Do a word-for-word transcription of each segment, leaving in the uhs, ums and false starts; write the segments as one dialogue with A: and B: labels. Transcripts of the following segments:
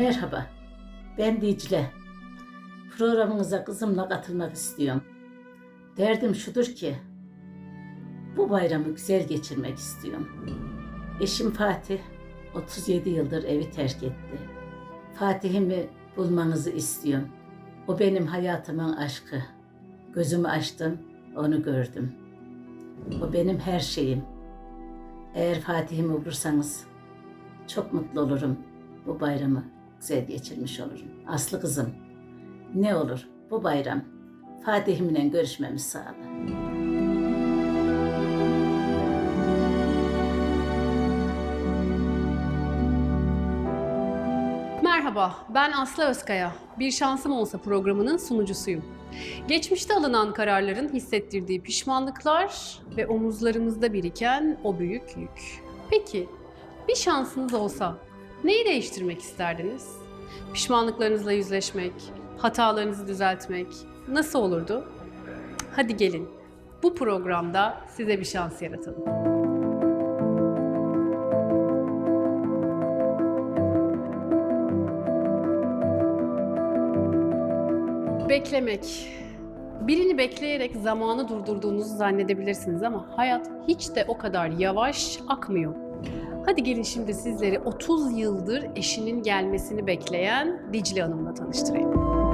A: Merhaba, ben Dicle. Programınıza kızımla katılmak istiyorum. Derdim şudur ki, bu bayramı güzel geçirmek istiyorum. Eşim Fatih, otuz yedi yıldır evi terk etti. Fatih'imi bulmanızı istiyorum. O benim hayatımın aşkı. Gözümü açtım, onu gördüm. O benim her şeyim. Eğer Fatih'imi bulursanız çok mutlu olurum. Bu bayramı güzel geçirmiş olurum. Aslı kızım, ne olur bu bayram Fatih'imle görüşmemizi sağla.
B: Merhaba, ben Aslı Özkaya. Bir Şansım Olsa programının sunucusuyum. Geçmişte alınan kararların hissettirdiği pişmanlıklar ve omuzlarımızda biriken o büyük yük. Peki, bir şansınız olsa neyi değiştirmek isterdiniz? Pişmanlıklarınızla yüzleşmek, hatalarınızı düzeltmek nasıl olurdu? Hadi gelin, bu programda size bir şans yaratalım. Beklemek. Birini bekleyerek zamanı durdurduğunuzu zannedebilirsiniz ama hayat hiç de o kadar yavaş akmıyor. Hadi gelin şimdi sizleri otuz yıldır eşinin gelmesini bekleyen Dicle Hanım'la tanıştırayım.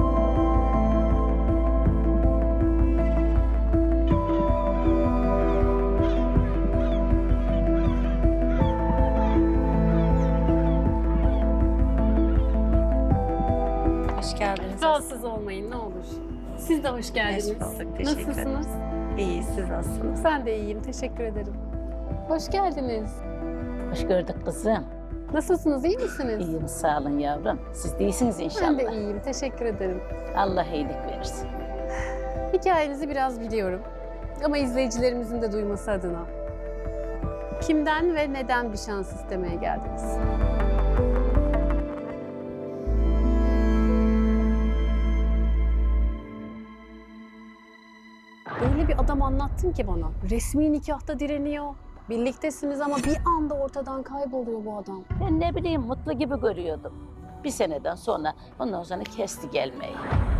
C: Hoş geldiniz.
B: Rahatsız olmayın ne olur. Siz de hoş geldiniz.
C: Hoş bulduk, teşekkür ederim.
B: Nasılsınız?
C: İyi, siz nasılsınız?
B: Ben de iyiyim, teşekkür ederim. Hoş geldiniz.
A: Hoş gördük kızım.
B: Nasılsınız, iyi misiniz?
A: İyiyim, sağ olun yavrum. Siz de iyisiniz
B: Ben
A: inşallah.
B: de iyiyim, teşekkür ederim.
A: Allah iyilik versin.
B: Hikayenizi biraz biliyorum ama izleyicilerimizin de duyması adına. Kimden ve neden bir şans istemeye geldiniz? Öyle bir adam anlattın ki bana. Resmi nikahta direniyor. Birliktesiniz ama bir anda ortadan kayboluyor bu adam.
A: Ben ne bileyim mutlu gibi görüyordum. Bir seneden sonra ondan sonra kesti gelmeyi.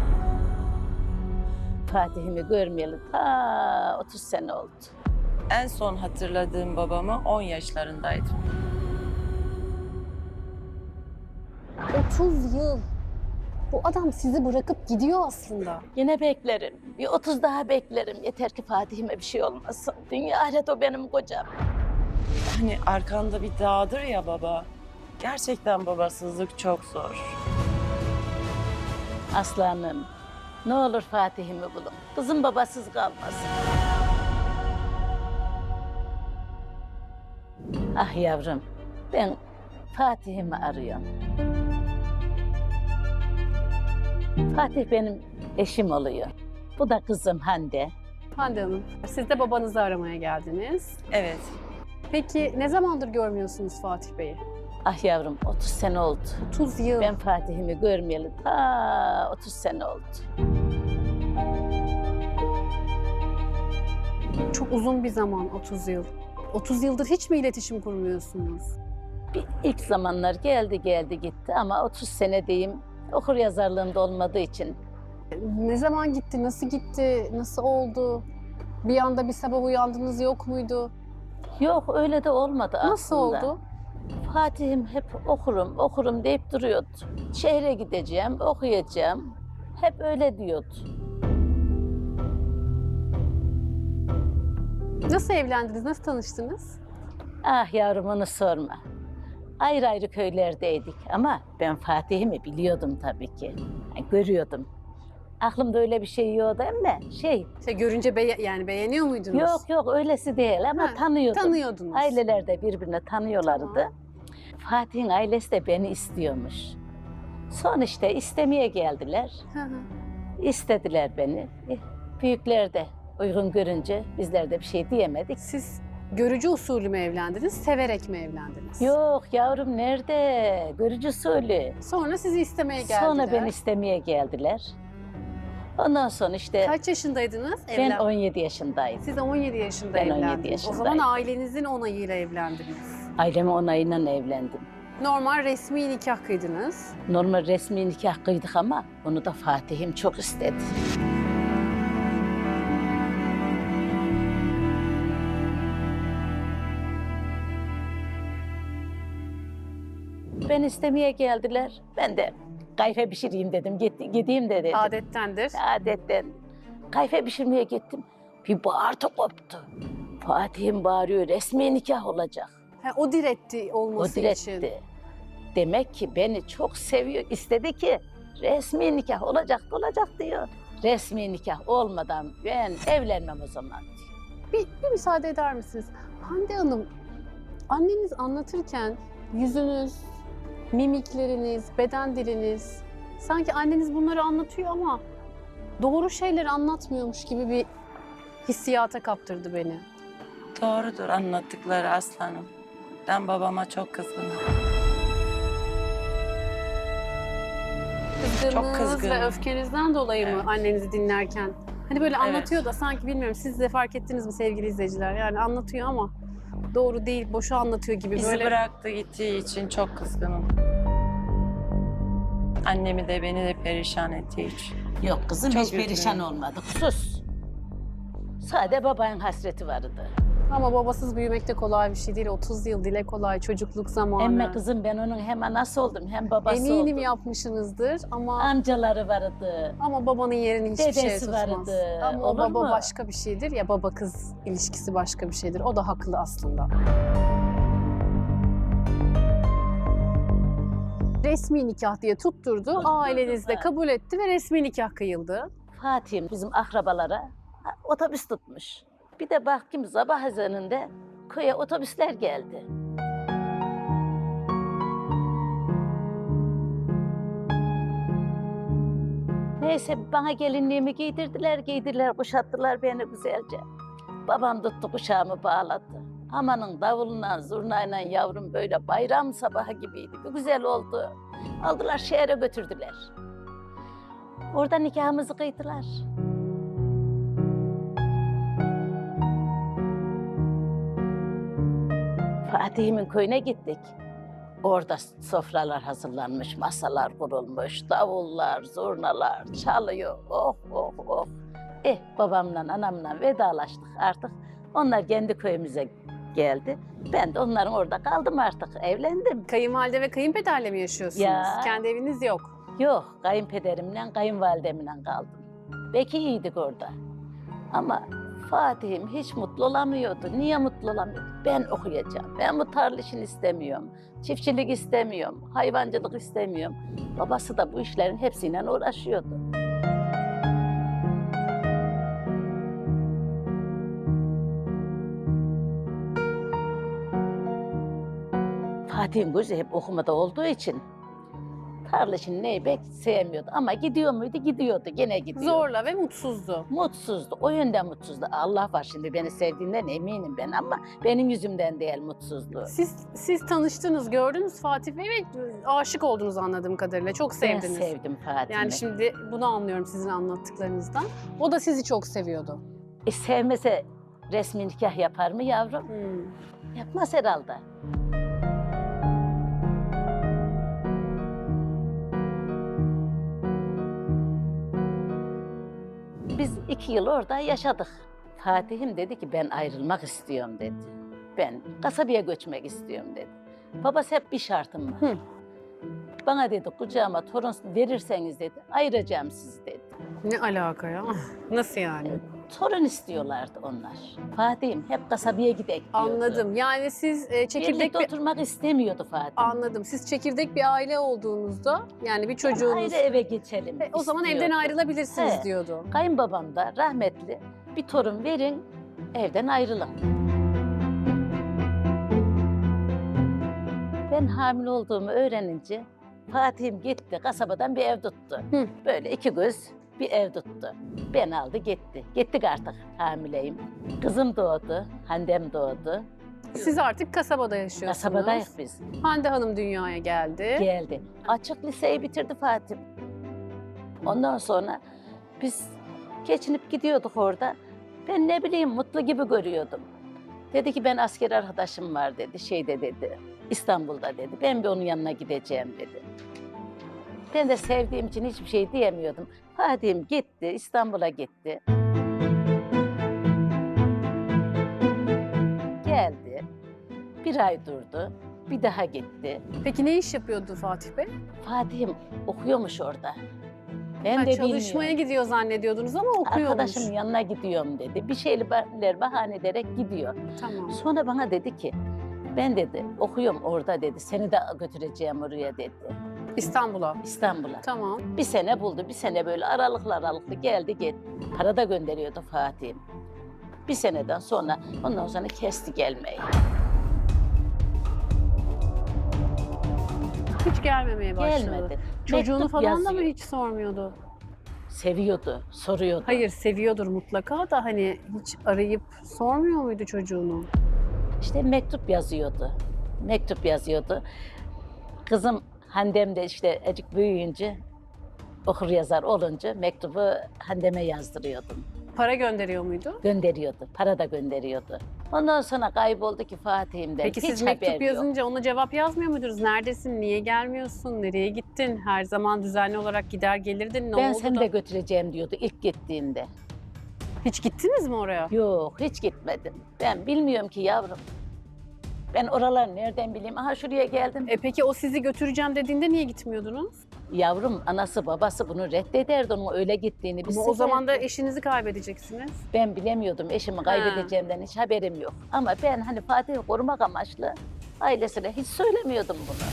A: Fatih'imi görmeyeli ta otuz sene oldu.
C: En son hatırladığım babamı on yaşlarındaydım.
B: otuz yıl. Bu adam sizi bırakıp gidiyor aslında.
A: Yine beklerim. Bir otuz daha beklerim. Yeter ki Fatih'ime bir şey olmasın. Dünya ahiret o benim kocam.
C: Hani arkanda bir dağdır ya baba. Gerçekten babasızlık çok zor.
A: Aslanım, ne olur Fatih'imi bulun. Kızım babasız kalmasın. Ah yavrum, ben Fatih'imi arıyorum. Fatih benim eşim oluyor. Bu da kızım Hande.
B: Hande Hanım, siz de babanızı aramaya geldiniz.
C: Evet.
B: Peki ne zamandır görmüyorsunuz Fatih Bey'i?
A: Ah yavrum, otuz sene oldu.
B: otuz yıl.
A: Ben Fatih'imi görmeyeli ta otuz sene oldu.
B: Çok uzun bir zaman otuz yıl. otuz yıldır hiç mi iletişim kurmuyorsunuz?
A: Bir ilk zamanlar geldi geldi gitti ama otuz sene diyeyim okur yazarlığında olmadığı için.
B: Ne zaman gitti, nasıl gitti, nasıl oldu? Bir anda bir sabah uyandınız yok muydu?
A: Yok öyle de olmadı aslında.
B: Nasıl oldu?
A: Fatih'im hep okurum okurum deyip duruyordu. Şehre gideceğim, okuyacağım. Hep öyle diyordu.
B: Nasıl evlendiniz, nasıl tanıştınız?
A: Ah yavrum onu sorma. Ayrı ayrı köylerdeydik ama ben Fatih'imi biliyordum tabii ki. Yani görüyordum. Aklımda öyle bir şey yoktu ama şey...
B: Şey görünce beye- yani beğeniyor muydunuz?
A: Yok yok öylesi değil ama
B: Ha,
A: tanıyordum.
B: tanıyordunuz.
A: Aileler de birbirine tanıyorlardı.
B: Tamam.
A: Fatih'in ailesi de beni istiyormuş. Son işte istemeye geldiler.
B: Hı hı.
A: İstediler beni. Eh, büyükler de uygun görünce bizler de bir şey diyemedik.
B: Siz görücü usulü mü evlendiniz, severek mi evlendiniz?
A: Yok yavrum nerede? Görücü usulü.
B: Sonra sizi istemeye geldiler.
A: Sonra beni istemeye geldiler. Ondan sonra işte
B: Kaç yaşındaydınız?
A: ben
B: Evlen-
A: on yedi yaşındaydım.
B: Siz on yedi yaşında
A: Ben on yedi
B: evlendiniz. O zaman
A: yaşındaydım.
B: ailenizin onayıyla evlendiniz.
A: Ailemin onayıyla evlendim.
B: Normal resmi nikah kıydınız.
A: Normal resmi nikah kıydık ama onu da Fatih'im çok istedi. Ben istemeye geldiler. Ben de kayfe pişireyim dedim. Git, gideyim de dedim.
B: Adettendir.
A: Adetten. Kayfe pişirmeye gittim. Bir bağırtı koptu. Fatih'im bağırıyor, resmi nikah olacak.
B: Ha, o diretti
A: O
B: olması için.
A: diretti. Demek ki beni çok seviyor. İstedi ki resmi nikah olacak, olacak diyor. Resmi nikah olmadan ben evlenmem o zaman diyor.
B: Bir, bir müsaade eder misiniz? Hande Hanım, anneniz anlatırken yüzünüz, mimikleriniz, beden diliniz, sanki anneniz bunları anlatıyor ama doğru şeyleri anlatmıyormuş gibi bir hissiyata kaptırdı beni.
C: Doğrudur anlattıkları aslanım. Ben babama çok kızgınım.
B: Kızgınlığınız
C: kızgınım.
B: ve öfkenizden dolayı mı
C: Evet.
B: annenizi dinlerken? Hani böyle
C: Evet.
B: anlatıyor da sanki bilmiyorum siz de fark ettiniz mi sevgili izleyiciler? Yani anlatıyor ama doğru değil, boşu anlatıyor gibi
C: Bizi
B: böyle.
C: bıraktı gittiği için çok kızgınım. Annemi de beni de perişan ettiği için.
A: Yok kızım
C: Çok
A: hiç perişan
C: üzgünüm.
A: olmadık. Sus. Sade babanın hasreti vardı.
B: Ama babasız büyümek de kolay bir şey değil. otuz yıl dile kolay, çocukluk zamanı.
A: Emme kızım ben onun hem anası oldum hem babası
B: Eminim
A: oldum.
B: yapmışsınızdır ama
A: Amcaları vardı.
B: ama babanın yerini hiçbir şey
A: Dedesi
B: tutmaz.
A: vardı.
B: Ama o
A: Olur
B: baba
A: mu?
B: başka bir şeydir ya, baba kız ilişkisi başka bir şeydir. O da haklı aslında. Resmi nikah diye tutturdu.
A: Tutturdu,
B: Aileniz de
A: evet.
B: kabul etti ve resmi nikah kıyıldı.
A: Fatih'im bizim akrabalara ha, otobüs tutmuş. Bir de baktım sabah ezanında köye otobüsler geldi. Neyse bana gelinliğimi giydirdiler, giydirdiler, kuşattılar beni güzelce. Babam tuttu kuşağımı bağladı. Amanın davuluna, zurnayla yavrum böyle bayram sabahı gibiydi. Bir güzel oldu. Aldılar şehre götürdüler. Orada nikahımızı kıydılar. Fatih'imin köyüne gittik. Orada sofralar hazırlanmış, masalar kurulmuş, davullar, zurnalar çalıyor. Oh oh oh. Eh babamla anamla vedalaştık artık. Onlar kendi köyümüze geldi. Ben de onların orada kaldım artık. Evlendim.
B: Kayınvalide ve kayınpederle mi yaşıyorsunuz?
A: Ya.
B: Kendi eviniz yok.
A: Yok, kayınpederimle, kayınvalidemle kaldım. Belki iyiydik orada. Ama Fatih'im hiç mutlu olamıyordu. Niye mutlu olamıyordu? Ben okuyacağım. Ben bu tarla işini istemiyorum. Çiftçilik istemiyorum. Hayvancılık istemiyorum. Babası da bu işlerin hepsiyle uğraşıyordu. Fatih'in gözü hep okumada olduğu için tarla işini neyi pek sevmiyordu. Ama gidiyor muydu? Gidiyordu. Gene gidiyordu.
B: Zorla ve mutsuzdu.
A: Mutsuzdu. O yönden mutsuzdu. Allah var şimdi beni sevdiğinden eminim ben ama benim yüzümden değil mutsuzluğu.
B: Siz siz tanıştınız, gördünüz Fatih Bey ve aşık oldunuz anladığım kadarıyla. Çok sevdiniz.
A: Ben sevdim Fatih'i.
B: Yani şimdi bunu anlıyorum sizin anlattıklarınızdan. O da sizi çok seviyordu.
A: E, sevmese resmi nikah yapar mı yavrum?
B: Hmm.
A: Yapmaz herhalde. Biz iki yıl orada yaşadık. Fatih'im dedi ki ben ayrılmak istiyorum dedi. Ben kasabaya göçmek istiyorum dedi. Babası hep bir şartım var.
B: Hı.
A: Bana dedi kucağıma torun verirseniz dedi ayıracağım sizi dedi.
B: Ne alaka ya? Nasıl yani?
A: Torun istiyorlardı onlar. Fatih'im hep kasabaya gidek diyordu.
B: Anladım. Yani siz e, çekirdek
A: Birlikte
B: bir...
A: oturmak istemiyordu Fatih.
B: Anladım. Siz çekirdek bir aile olduğunuzda yani bir çocuğunuz...
A: Ayrı eve geçelim
B: E, o zaman
A: istiyordu.
B: evden ayrılabilirsiniz
A: He.
B: diyordu.
A: Kayınbabam da rahmetli bir torun verin evden ayrılın. Ben hamile olduğumu öğrenince Fatih'im gitti kasabadan bir ev tuttu.
B: Hı.
A: Böyle iki göz bir ev tuttu. Beni aldı gitti. Gittik artık hamileyim. Kızım doğdu, Handem doğdu.
B: Siz artık kasabada yaşıyorsunuz.
A: Kasabadayız biz.
B: Hande Hanım dünyaya geldi.
A: Geldi. Açık liseyi bitirdi Fatih. Ondan sonra biz geçinip gidiyorduk orada. Ben ne bileyim mutlu gibi görüyordum. Dedi ki ben asker arkadaşım var dedi, şeyde dedi. İstanbul'da dedi. Ben bir onun yanına gideceğim dedi. Ben de sevdiğim için hiçbir şey diyemiyordum. Fatih'im gitti, İstanbul'a gitti. Geldi, bir ay durdu, bir daha gitti.
B: Peki ne iş yapıyordu Fatih Bey?
A: Fatih'im okuyormuş orada. Ben
B: Ha,
A: de
B: çalışmaya
A: bilmiyorum.
B: gidiyor zannediyordunuz ama okuyormuş.
A: Arkadaşımın yanına gidiyorum dedi. Bir şeyler bahane ederek gidiyor.
B: Tamam.
A: Sonra bana dedi ki, ben dedi okuyorum orada dedi. Seni de götüreceğim oraya dedi.
B: İstanbul'a.
A: İstanbul'a.
B: Tamam.
A: Bir sene buldu, bir sene böyle aralıklı aralıklı geldi gitti. Para da gönderiyordu Fatih'im. Bir seneden sonra, ondan sonra kesti gelmeyi.
B: Hiç gelmemeye başladı.
A: Gelmedi.
B: Çocuğunu
A: Mektup
B: falan da mı
A: yazıyor.
B: hiç sormuyordu?
A: Seviyordu, soruyordu.
B: Hayır, seviyordur mutlaka da hani hiç arayıp sormuyor muydu çocuğunu?
A: İşte mektup yazıyordu. Mektup yazıyordu. Kızım Handem de işte ecik büyüyünce, okur yazar olunca mektubu Handem'e yazdırıyordum.
B: Para gönderiyor muydu?
A: Gönderiyordu, para da gönderiyordu. Ondan sonra kayboldu ki Fatih'imden.
B: Peki
A: hiç
B: siz
A: haber
B: mektup
A: yok.
B: yazınca ona cevap yazmıyor muydunuz? Neredesin, niye gelmiyorsun, nereye gittin? Her zaman düzenli olarak gider gelirdin, ne
A: Ben
B: oldu
A: seni
B: da?
A: de götüreceğim diyordu ilk gittiğinde.
B: Hiç gittiniz mi oraya?
A: Yok, hiç gitmedim. Ben bilmiyorum ki yavrum. Ben oraları nereden bileyim? Aha şuraya geldim.
B: E peki o sizi götüreceğim dediğinde niye gitmiyordunuz?
A: Yavrum, anası babası bunu reddederdi onun öyle gittiğini.
B: Ama
A: Biz
B: o zaman da
A: severdik.
B: eşinizi kaybedeceksiniz.
A: Ben bilemiyordum eşimi kaybedeceğimden hiç haberim yok. Ama ben hani Fatih'i korumak amaçlı ailesine hiç söylemiyordum bunu.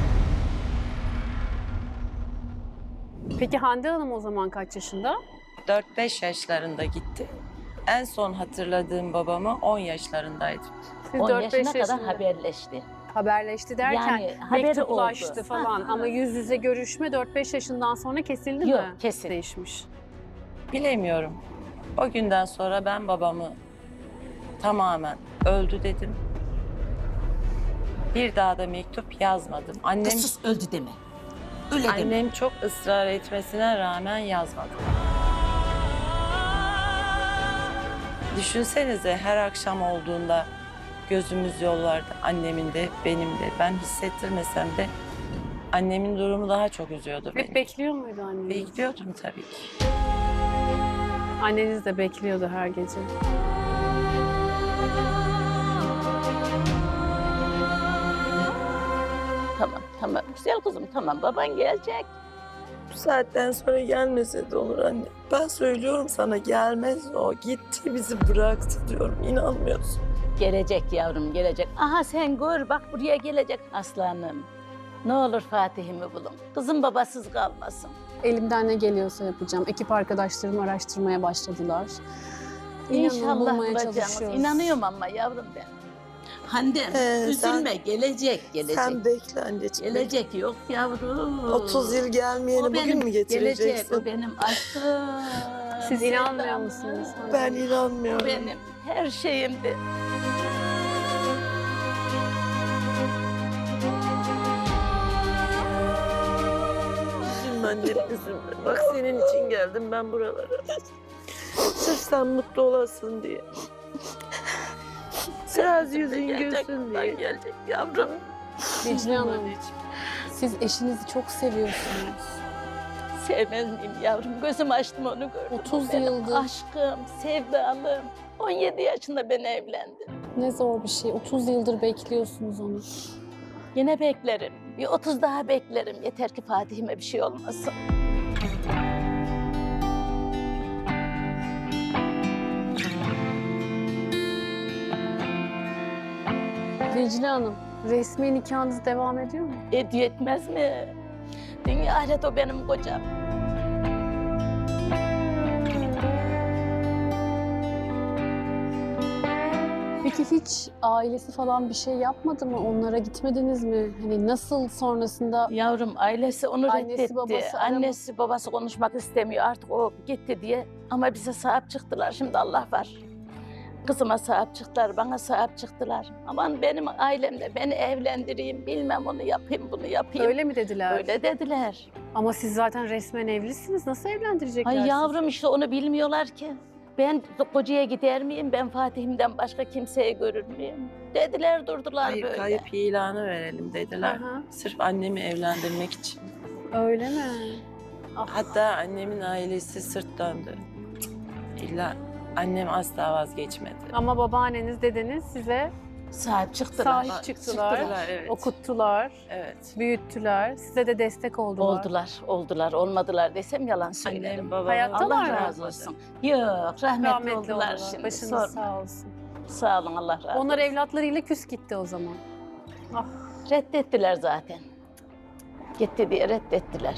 B: Peki Hande Hanım o zaman kaç yaşında?
C: dört beş yaşlarında gitti. En son hatırladığım babamı on yaşlarındaydı.
B: Siz
A: on
B: dört beş
A: yaşına kadar
B: yaşında.
A: haberleşti.
B: haberleşti derken
A: Yani haberi
B: mektuplaştı
A: oldu.
B: falan
A: Ha,
B: ama
A: ha.
B: yüz yüze görüşme dört beş yaşından sonra kesildi
A: Yok,
B: mi?
A: kesin.
B: Değişmiş.
C: Bilemiyorum. O günden sonra ben babamı tamamen öldü dedim. Bir daha da mektup yazmadım. Annem
A: Sus öldü deme. Öyle deme.
C: annem çok ısrar etmesine rağmen yazmadım. Düşünsenize her akşam olduğunda gözümüz yollarda, annemin de benim de. Ben hissettirmesem de annemin durumu daha çok üzüyordu beni.
B: Hep bekliyor muydu anneniz?
C: Bekliyordum tabii ki.
B: Anneniz de bekliyordu her gece.
A: Tamam tamam güzel kızım tamam baban gelecek.
C: Bu saatten sonra gelmese de olur anne. Ben söylüyorum sana gelmez o. Gitti bizi bıraktı diyorum. İnanmıyorsun.
A: Gelecek yavrum gelecek. Aha sen gör bak buraya gelecek aslanım. Ne olur Fatih'imi bulun. Kızım babasız kalmasın.
B: Elimden ne geliyorsa yapacağım. Ekip arkadaşlarım araştırmaya başladılar. İnanın
A: İnşallah
B: bulmaya
A: bulacağız.
B: çalışıyoruz.
A: İnanıyorum ama yavrum ben. Hande
C: Ee,
A: üzülme gelecek gelecek.
C: Sen bekle anneciğim.
A: Gelecek yok yavrum.
C: otuz yıl gelmeyeni
A: O
C: bugün
A: benim-
C: mü
A: Gelecek
C: getireceksin?
A: o benim aşkım.
B: Siz inanmıyor
A: sevdam.
B: musunuz?
C: Ben
A: O
C: inanmıyorum.
A: benim her şeyimdi.
C: Üzülme annem üzülme. Bak senin için geldim ben buralara. Sırf sen mutlu olasın diye. Biraz yüzün
A: Gelecek,
C: gülsün
A: buradan
C: diye.
A: Gelecek yavrum.
B: Dicle Hanım,
C: Anneciğim.
B: siz eşinizi çok seviyorsunuz.
A: Sevmez miyim yavrum? Gözüm açtım onu gördüm.
B: otuz
A: O benim
B: yıldır.
A: aşkım, sevdalım. on yedi yaşında ben evlendim.
B: Ne zor bir şey. otuz yıldır bekliyorsunuz onu.
A: Yine beklerim. Bir otuz daha beklerim. Yeter ki Fatih'ime bir şey olmasın.
B: Dicle Hanım, resmi nikahınız devam ediyor mu?
A: Ediyor etmez mi? Dünya ahiret o benim kocam.
B: Peki hiç ailesi falan bir şey yapmadı mı? Onlara gitmediniz mi? Hani nasıl sonrasında
A: Yavrum ailesi onu
B: Annesi,
A: reddetti.
B: babası arama-
A: Annesi babası konuşmak istemiyor. Artık o gitti diye. Ama bize sahip çıktılar. Şimdi Allah var. Kızıma sahip çıktılar, bana sahip çıktılar. Aman benim ailemde beni evlendireyim, bilmem onu yapayım, bunu yapayım.
B: öyle mi dediler?
A: Öyle dediler.
B: Ama siz zaten resmen evlisiniz. Nasıl evlendirecekler
A: Ay
B: sizi?
A: yavrum işte onu bilmiyorlar ki. Ben kocaya gider miyim? Ben Fatih'imden başka kimseye görür müyüm? Dediler durdular
C: Kayıp,
A: böyle.
C: kayıp ilanı verelim dediler.
B: Aha.
C: Sırf annemi evlendirmek için.
B: Öyle mi? Ah.
C: Hatta annemin ailesi sırt döndü. Cık, İlla annem asla vazgeçmedi.
B: Ama babaanneniz, dedeniz size
A: Sahip çıktılar.
B: sahip çıktılar,
C: Çıktılar, evet.
B: okuttular,
C: Evet.
B: büyüttüler, size de destek oldular.
A: Oldular, oldular, olmadım desem yalan söylerim.
C: Annem babam
B: Hayattalar
A: Allah
B: mı?
A: razı olsun. Yok, rahmetli,
B: Rahmetli
A: oldular,
B: oldular.
A: şimdi.
B: Başınız
A: Sorma.
B: sağ olsun.
A: Sağ olun, Allah razı olsun.
B: Onlar evlatlarıyla küs gitti o zaman. Ah.
A: Reddettiler zaten. Gitti diye reddettiler.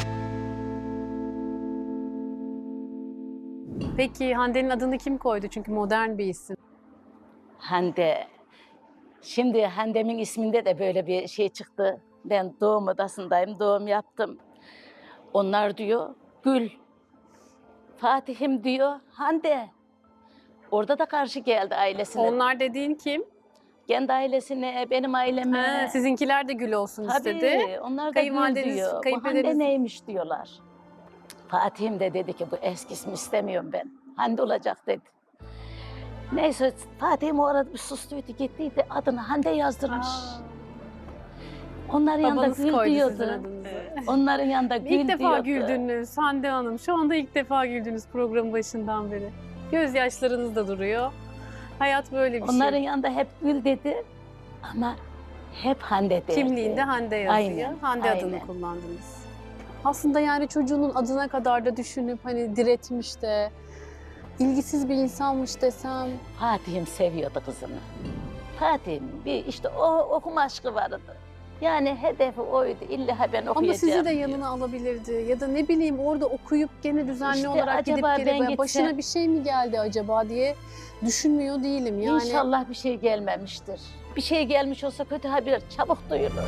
B: Peki Hande'nin adını kim koydu? Çünkü modern bir isim.
A: Hande. Şimdi Hande'min isminde de böyle bir şey çıktı. Ben doğum odasındayım, doğum yaptım. Onlar diyor, Gül. Fatih'im diyor, Hande. Orada da karşı geldi ailesine.
B: Onlar dediğin kim?
A: Kendi ailesine, benim aileme.
B: Ha, sizinkiler de Gül olsun
A: Tabii,
B: istedi.
A: onlar da Gül
B: Kayınvalideniz,
A: diyor. Bu
B: kayınpederiniz-
A: Hande neymiş diyorlar. Fatih'im de dedi ki bu eski ismi istemiyorum ben. Hande olacak dedi. Neyse Fatih'im o arada bir sustuydu gittiydi adını Hande yazdırmış.
B: Aa,
A: Onların yanında
B: babanız
A: Gül
B: koydu sizin
A: diyordu.
B: adınızı.
A: Onların yanında Gül
B: İlk defa
A: diyordu.
B: güldünüz Hande Hanım. Şu anda ilk defa güldünüz programın başından beri. Gözyaşlarınız da duruyor. Hayat böyle bir
A: Onların
B: şey.
A: yanında hep Gül dedi ama hep Hande derdi.
B: Kimliğinde Hande yazıyor.
A: Aynen,
B: Hande adını
A: aynen.
B: kullandınız. Aslında yani çocuğunun adına kadar da düşünüp hani diretmiş de ilgisiz bir insanmış desem.
A: Fatih'im seviyordu kızını. Fatih'im bir işte o okuma aşkı vardı. Yani hedefi oydu. İlla ben okuyacağım.
B: Ama sizi de
A: diyor.
B: yanına alabilirdi. Ya da ne bileyim orada okuyup gene düzenli
A: İşte
B: olarak gidip
A: acaba
B: gelip
A: ben
B: "Ya
A: gitsem-
B: başına bir şey mi geldi acaba diye düşünmüyor değilim. Yani
A: İnşallah bir şey gelmemiştir. Bir şey gelmiş olsa kötü haber çabuk duyulur.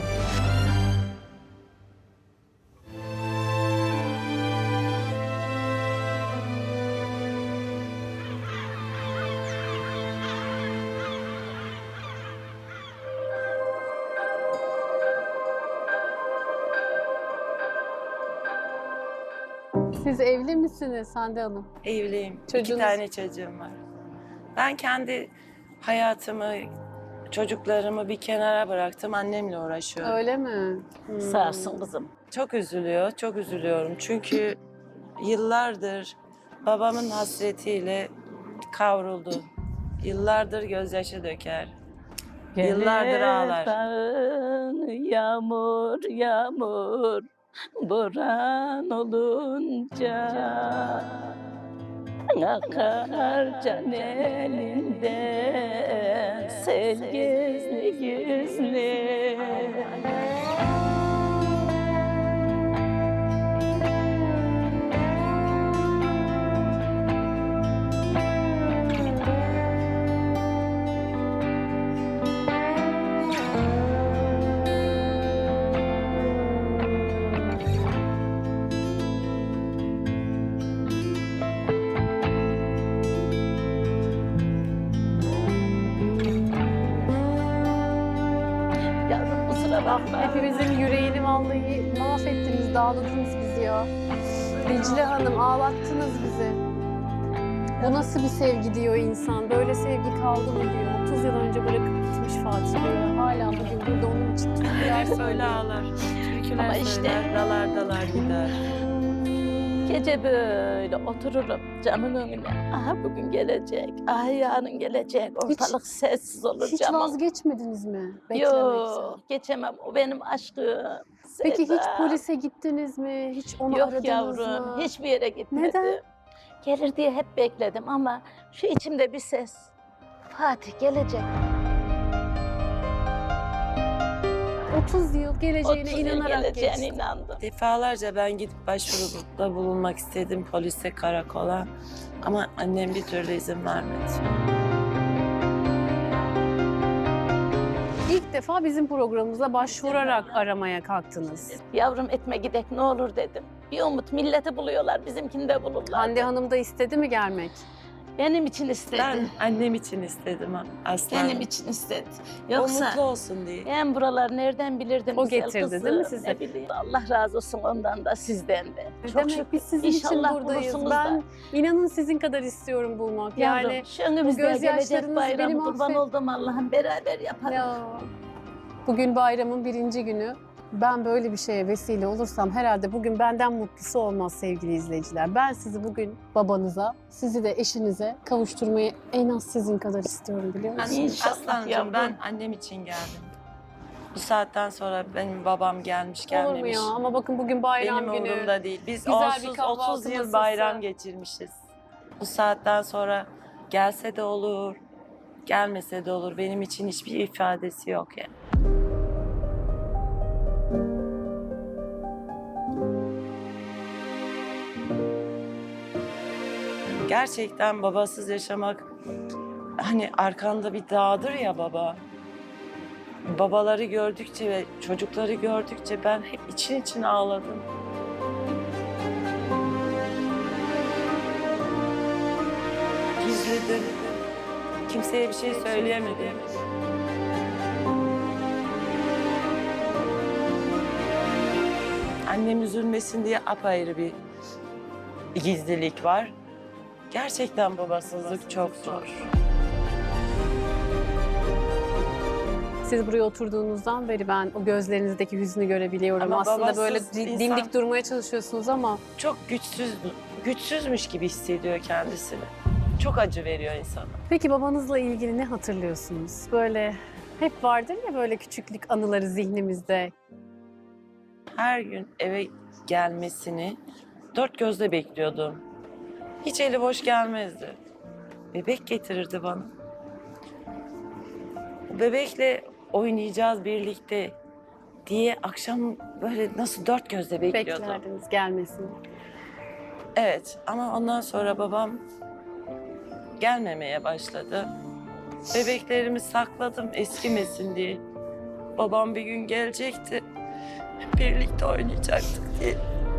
B: siz evli misiniz Hande Hanım?
C: Evliyim.
B: Çocuğunuz-
C: İki tane çocuğum var. Ben kendi hayatımı, çocuklarımı bir kenara bıraktım. Annemle uğraşıyorum.
B: Öyle mi? Hmm.
A: Sağ olsun kızım.
C: Çok üzülüyor, çok üzülüyorum. Çünkü yıllardır babamın hasretiyle kavruldu. Yıllardır gözyaşı döker. Yıllardır ağlar.
A: Dağın yağmur yağmur boran olunca akar can elinden sel gizli gizli. Yavrum kusura bakma.
B: Hepimizin yüreğini vallahi mahvettiniz, dağıldınız bizi ya. Dicle Hanım ağlattınız bizi. Bu nasıl bir sevgi diyor insan. Böyle sevgi kaldı mı diyor. otuz yıl önce bırakıp gitmiş Fatih Bey. Hala bugün burada onun için türküler
C: Hep öyle
B: söylüyor.
C: ağlar. Türküler
A: Ama işte-
C: söyler, dalar dalar gider.
A: Gece böyle otururum camın önüne. Aha bugün gelecek, aha yarın gelecek. Ortalık sessiz olur
B: Hiç
A: camın.
B: vazgeçmediniz mi beklemekten?
A: Yok, geçemem. O benim aşkım.
B: Peki hiç
A: Seda.
B: polise gittiniz mi? Hiç onu
A: Yok
B: aradınız
A: yavrum,
B: mı?
A: hiçbir yere gitmedim.
B: Neden?
A: Gelir diye hep bekledim ama şu içimde bir ses. Fatih gelecek.
B: otuz yıl geleceğine
A: otuz yıl
B: inanarak
A: geleceğine
B: geçti.
A: inandım.
C: Defalarca ben gidip başvuruda bulunmak istedim polise, karakola. Ama annem bir türlü izin vermedi.
B: İlk defa bizim programımıza başvurarak aramaya kalktınız.
A: Yavrum etme gidek ne olur dedim. Bir umut milleti buluyorlar, bizimkini de bulurlar.
B: Hande Hanım da istedi mi gelmek?
A: Benim için istedi.
C: Ben annem için istedim ha, Aslı
A: Benim
C: Hanım.
A: için istedi.
C: O
A: Yoksa
C: mutlu olsun diye.
A: ben buralar nereden bilirdim
B: O
A: güzel
B: getirdi
A: kızı,
B: değil mi size?
A: Ne bileyim. Allah razı olsun ondan da sizden de. Çok
B: Demek
A: şükür.
B: biz sizin
A: İnşallah
B: için buradayız.
A: bulursunuz
B: Ben
A: da.
B: inanın sizin kadar istiyorum bulmak.
A: Yavrum,
B: Yani
A: şu önümüzde
B: bu
A: gelecek
B: gözyaşlarınız
A: bayram
B: benim
A: kurban
B: affet-
A: oldum Allah'ım beraber yapalım.
B: ya bugün bayramın birinci günü. Ben böyle bir şeye vesile olursam herhalde bugün benden mutlusu olmaz sevgili izleyiciler. Ben sizi bugün babanıza, sizi de eşinize kavuşturmayı en az sizin kadar istiyorum biliyor musunuz?
A: İnşallah
C: Aslan'cığım
A: yavrum.
C: ben annem için geldim. Bu saatten sonra benim babam gelmiş
B: Olur mu
C: gelmemiş.
B: ya? Ama bakın bugün bayram
C: Benim
B: günü.
C: umurumda değil. Biz
B: Güzel bir
C: onsuz
B: kahvaltı
C: otuz yıl
B: masası.
C: bayram geçirmişiz. Bu saatten sonra gelse de olur, gelmese de olur. Benim için hiçbir ifadesi yok yani. Gerçekten babasız yaşamak hani arkanda bir dağdır ya baba. Babaları gördükçe ve çocukları gördükçe ben hep için için ağladım. Gizledim. Kimseye bir şey söyleyemedim. Annem üzülmesin diye apayrı bir gizlilik var. Gerçekten babasızlık çok zor.
B: Siz buraya oturduğunuzdan beri ben o gözlerinizdeki hüznü görebiliyorum.
C: Ama
B: Aslında
C: babasız
B: böyle di-
C: insan-
B: dimdik durmaya çalışıyorsunuz ama
C: Çok güçsüz, güçsüzmüş gibi hissediyor kendisini. Çok acı veriyor insana.
B: peki babanızla ilgili ne hatırlıyorsunuz? Böyle hep vardır ya böyle küçüklük anıları zihnimizde.
C: Her gün eve gelmesini dört gözle bekliyordum. Hiç eli boş gelmezdi. Bebek getirirdi bana. O bebekle oynayacağız birlikte diye akşam böyle nasıl dört gözle bekliyordum.
B: Beklerdiniz gelmesini.
C: Evet ama ondan sonra babam gelmemeye başladı. Bebeklerimi sakladım eskimesin diye. Babam bir gün gelecekti. Birlikte oynayacaktık diye.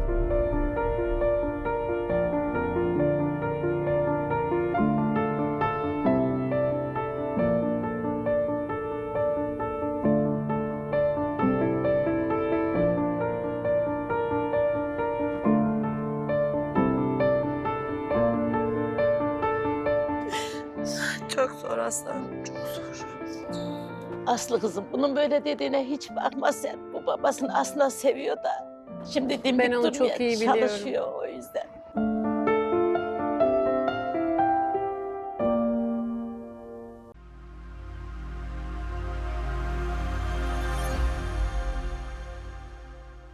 C: Çok zor aslanım, çok zor.
A: Aslı kızım bunun böyle dediğine hiç bakma sen. Bu babasını aslında seviyor da. Şimdi dimdik
B: Ben onu
A: durmaya
B: çok iyi biliyorum.
A: çalışıyor o yüzden.